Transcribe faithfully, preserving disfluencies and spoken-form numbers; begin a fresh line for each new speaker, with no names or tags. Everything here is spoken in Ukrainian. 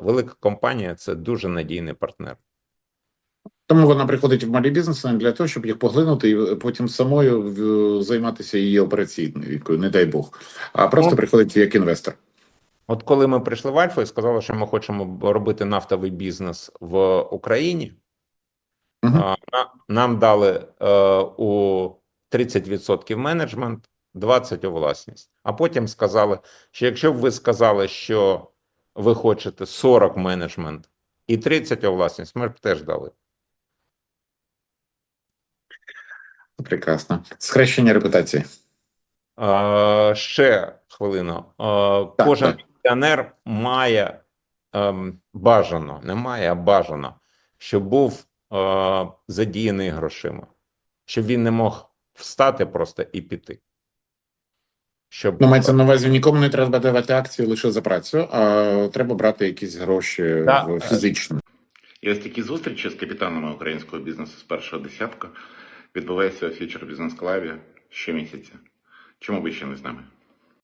велика компанія – це дуже надійний партнер.
Тому вона приходить в малі бізнеси не для того, щоб їх поглинути і потім самою в- займатися її операційною, не дай Бог, а просто
Ну,
приходить як інвестор.
От коли ми прийшли в Альфа і сказали, що ми хочемо робити нафтовий бізнес в Україні,
Угу.
а, на- нам дали е, у тридцять відсотків менеджмент, двадцять відсотків у власність. А потім сказали, що якщо б ви сказали, що ви хочете сорок менеджмент і тридцять відсотків у власність, ми б теж дали.
Прекрасно. Схрещення репутації.
Е, ще хвилину. Е,
Так,
кожен
так.
пенсіонер має ем, бажано, не має, а бажано, щоб був е, задіяний грошима, щоб він не мог встати просто і піти. Щоб
Ну, мається на увазі, нікому не треба давати акції лише за працю, а треба брати якісь гроші
Да.
в фізично.
І ось такі зустрічі з капітанами українського бізнесу з першого десятка відбуваються у Future Business Club щомісяця. Чому ви ще не з нами?